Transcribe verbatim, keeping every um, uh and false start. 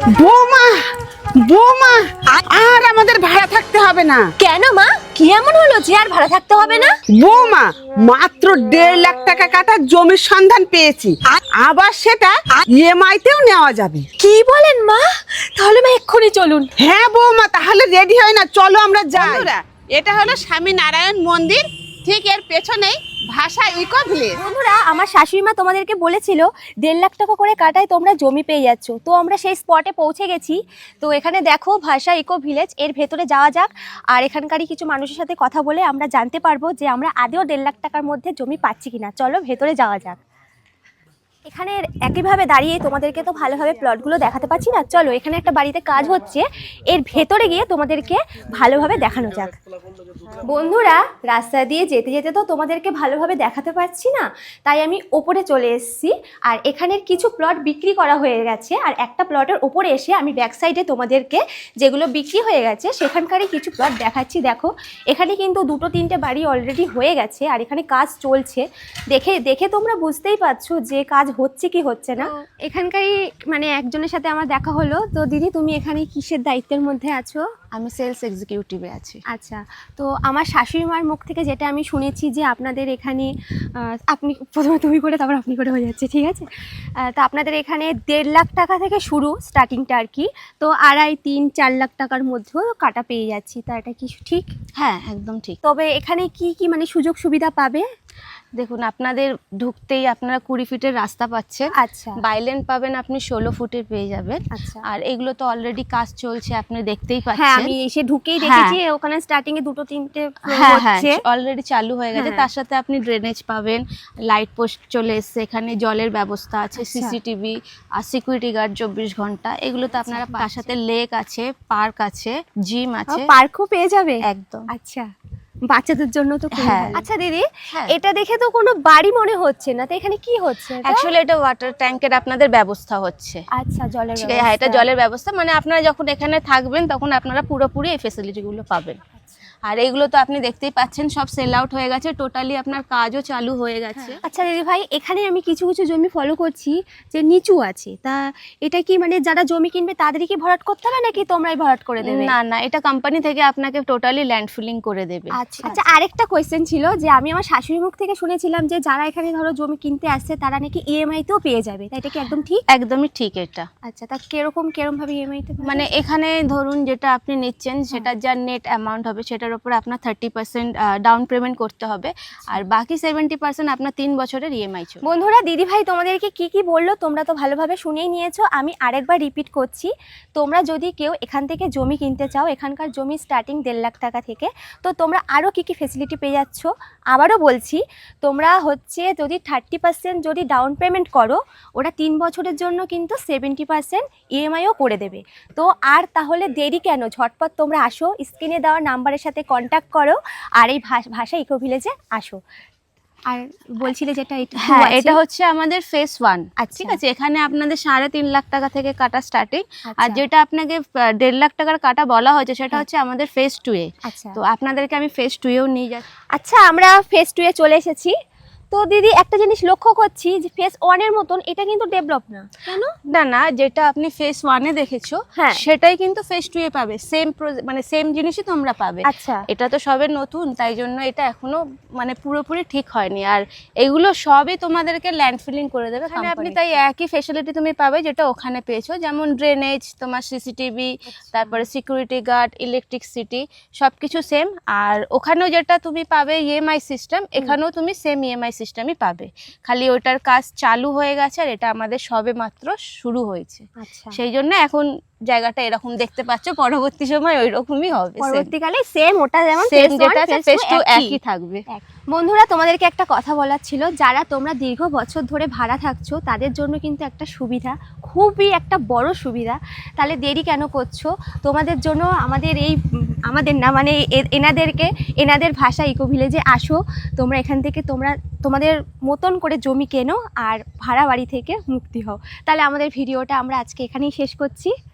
বৌমা বৌমা আর আমাদের ভাড়া থাকতে হবে না। কেন মা, কি এমন হলো যে আর ভাড়া থাকতে হবে না? বৌমা মাত্র দেড় লাখ টাকা কাটা জমির সন্ধান পেয়েছি, আবার সেটা ইএমআই তেও নেওয়া যাবে। কি বলেন মা? তাহলে মা এক্ষুনি চলুন। হ্যাঁ বৌমা, তাহলে রেডি হয় না, চলো আমরা যাই। এটা হলো স্বামী নারায়ণ মন্দির, ঠিক এর পেছনেই ভাষা ইকো ভিলেজ। বন্ধুরা, আমার শাশুড়ি মা তোমাদেরকে বলেছিল দেড় লাখ টাকা করে কাটায় তোমরা জমি পেয়ে যাচ্ছ, তো আমরা সেই স্পটে পৌঁছে গেছি। তো এখানে দেখো ভাষা ইকো ভিলেজ, এর ভেতরে যাওয়া যাক আর এখানকারই কিছু মানুষের সাথে কথা বলে আমরা জানতে পারবো যে আমরা আদেও দেড় লাখ টাকার মধ্যে জমি পাচ্ছি কিনা। চলো ভেতরে যাওয়া যাক। এখানে একইভাবে দাঁড়িয়ে তোমাদেরকে তো ভালোভাবে প্লটগুলো দেখাতে পাচ্ছি না, চলো এখানে একটা বাড়িতে কাজ হচ্ছে, এর ভেতরে গিয়ে তোমাদেরকে ভালোভাবে দেখানো যাক। বন্ধুরা, রাস্তা দিয়ে যেতে যেতে তো তোমাদেরকে ভালোভাবে দেখাতে পাচ্ছি না, তাই আমি ওপরে চলে এসেছি। আর এখানের কিছু প্লট বিক্রি করা হয়ে গেছে, আর একটা প্লটের ওপরে এসে আমি ব্যাক সাইডে তোমাদেরকে যেগুলো বিক্রি হয়ে গেছে সেখানকারই কিছু প্লট দেখাচ্ছি। দেখো এখানে কিন্তু দুটো তিনটে বাড়ি অলরেডি হয়ে গেছে আর এখানে কাজ চলছে। দেখে দেখে তোমরা বুঝতেই পারছো যে কাজ হচ্ছে কি হচ্ছে না। এখানকারই মানে একজনের সাথে আমার দেখা হলো। তো দিদি, তুমি এখানে কিসের দায়িত্বের মধ্যে আছো? আমি সেলস এক্সিকিউটিভে আছি। আচ্ছা, তো আমার শাশুড়ি মার মুখ থেকে যেটা আমি শুনেছি যে আপনাদের এখানে আপনি প্রথমে তুমি করে তারপর আপনি করে হয়ে যাচ্ছে, ঠিক আছে? তো আপনাদের এখানে দেড় লাখ টাকা থেকে শুরু স্টার্টিংটা আর কি, তো আড়াই তিন চার লাখ টাকার মধ্যেও কাটা পেয়ে যাচ্ছি, তা এটা কি ঠিক? হ্যাঁ, একদম ঠিক। তবে এখানে কি কি মানে সুযোগ সুবিধা পাবে? দেখুন, আপনাদের ঢুকতেই আপনারা কুড়ি ফিটের রাস্তা পাচ্ছেন। আচ্ছা, বাইলেন পাবেন আপনি ষোলো ফুটের পেয়ে যাবেন। আচ্ছা, আর এগুলো তো অলরেডি কাজ চলছে, আপনি দেখতেই হ্যাঁ পাচ্ছেন। আমি এসে ঢুকেই দেখেছি ওখানে স্টার্টিং এ দুটো তিনটে হ্যাঁ হ্যাঁ হচ্ছে, অলরেডি চালু হয়ে গেছে। হ্যাঁ। তার সাথে আপনি ড্রেনেজ পাবেন, লাইট পোস্ট চলে এসছে, এখানে জলের ব্যবস্থা আছে, আচ্ছা। সিসিটিভি আর সিকিউরিটি গার্ড চব্বিশ ঘন্টা, এগুলো তো আপনারা তার সাথে লেক আছে, পার্ক আছে, জিম আছে, পার্কও পেয়ে যাবে একদম। আচ্ছা, বাচ্চাদের জন্য তো খুবই হ্যাঁ। ভালো। আচ্ছা দিদি, হ্যাঁ। এটা দেখে তো কোনো বাড়ি মনে হচ্ছে না, তো এখানে কি হচ্ছে? এটা? অ্যাকচুয়ালি এটা ওয়াটার ট্যাঙ্কের আপনাদের ব্যবস্থা হচ্ছে। আচ্ছা, জলের ঠিক আছে, হ্যাঁ, এটা ব্যবস্থা। জলের ব্যবস্থা, মানে আপনারা যখন এখানে থাকবেন তখন আপনারা পুরোপুরি এই ফেসিলিটিগুলো পাবেন। আর এইগুলো তো আপনি দেখতেই পাচ্ছেন সব সেল আউট হয়ে গেছে, টোটালি আপনার কাজও চালু হয়ে গেছে। আচ্ছা দিদি ভাই, এখানে আমি কিছু কিছু জমি ফলো করছি যে নিচু আছে, তা এটা কি মানে যারা জমি কিনবে তাদেরই কি ভরাট করতে হবে নাকি তোমরাই ভরাট করে দেবে? না না, এটা কোম্পানি থেকে আপনাকে টোটালি ল্যান্ড ফিলিং করে দেবে। আচ্ছা আচ্ছা, আরেকটা কোয়েশ্চেন ছিল যে আমি আমার শাশুড়ি মুখ থেকে শুনেছিলাম যে যারা এখানে ধরো জমি কিনতে আসছে তারা নাকি ইএমআই তেও পেয়ে যাবে, তাই এটা কি একদম ঠিক? একদমই ঠিক এটা। আচ্ছা, তা কিরকম কিরকম ভাবে ইএমআই তে মানে এখানে ধরুন যেটা আপনি নিচ্ছেন সেটা যা নেট অ্যামাউন্ট হবে সেটার উপর আপনার থার্টি পার্সেন্ট ডাউন পেমেন্ট করতে হবে, আর বাকি সেভেন্টি পার্সেন্ট আপনার তিন বছরের ইএমআই চলবে। বন্ধুরা, দিদি ভাই তোমাদেরকে কি কি বললো তোমরা তো ভালোভাবে শুনেই নিয়েছো, আমি আরেকবার রিপিট করছি। তোমরা যদি কেউ এখান থেকে জমি কিনতে চাও, এখানকার জমি স্টার্টিং দেড় লাখ টাকা থেকে, তো তোমরা আরও কী কী ফেসিলিটি পেয়ে যাচ্ছ। আবারও বলছি, তোমরা হচ্ছে যদি থার্টি পার্সেন্ট যদি ডাউন পেমেন্ট করো, ওরা তিন বছরের জন্য কিন্তু সেভেন্টি পার্সেন্ট ইএমআইও করে দেবে। তো আর তাহলে দেরি কেন, ঝটপট তোমরা আসো, স্ক্রিনে দেওয়া নাম্বারের সাথে কন্ট্যাক্ট করো আর এই ভাষা ইকো ভিলেজে আসো। আর বলছিলে যেটা হ্যাঁ, এটা হচ্ছে আমাদের ফেস ওয়ান। আচ্ছা, ঠিক আছে, এখানে আপনাদের সাড়ে তিন লাখ টাকা থেকে কাটা স্টার্টিং, আর আচ্ছা। যেটা আপনাকে দেড় লাখ টাকার কাটা বলা হয়েছে সেটা হচ্ছে আমাদের ফেস টু এ। আচ্ছা, তো আপনাদেরকে আমি ফেস টু এও নিয়ে যাচ্ছি। আচ্ছা, আমরা ফেস টু এ চলে এসেছি। তো দিদি একটা জিনিস লক্ষ্য করছি যে ফেস ওয়ানের মতন এটা কিন্তু ডেভেলপ না, কেন? না না, যেটা আপনি ফেস ওয়ানে দেখেছো হ্যাঁ। সেটাই কিন্তু ফেস টু এ পাবে, সেম মানে সেম জিনিসই তোমরা পাবে। আচ্ছা, এটা তো সবে নতুন, তাই জন্য এটা এখনো মানে পুরোপুরি ঠিক হয়নি। আর এগুলো সবই তোমাদেরকে ল্যান্ড ফিলিং করে দেবে এখানে আপনি, তাই একই ফ্যাসিলিটি তুমি পাবে যেটা ওখানে পেয়েছো, যেমন ড্রেনেজ, তোমার সিসিটিভি, তারপরে সিকিউরিটি গার্ড, ইলেকট্রিসিটি, সব কিছু সেম। আর ওখানেও যেটা তুমি পাবে ইএমআই সিস্টেম, এখানেও তুমি সেম ইএমআই সিস্টেমই পাবে, খালি ওটার কাজ চালু হয়ে গেছে আর এটা আমাদের সবে মাত্র শুরু হয়েছে। আচ্ছা, সেই জন্য এখন জায়গাটা এরকম দেখতে পাচ্ছ, পরবর্তী সময় ওই রকমই হবে, পরবর্তীকালে সেম ওটা যেমন সেম যেটা আছে ফেস টু একই থাকবে। বন্ধুরা, তোমাদেরকে একটা কথা বলার ছিল, যারা তোমরা দীর্ঘ বছর ধরে ভাড়া থাকছো তাদের জন্য কিন্তু একটা সুবিধা, খুবই একটা বড় সুবিধা। তাহলে দেরি কেন করছো? তোমাদের জন্য আমাদের এই আমাদের না মানে এনাদেরকে এনাদের ভাষা ইকো ভিলেজে আসো, তোমরা এখান থেকে তোমরা তোমাদের মতন করে জমি কেনো আর ভাড়া বাড়ি থেকে মুক্তি হও। তাহলে আমাদের ভিডিওটা আমরা আজকে এখানেই শেষ করছি।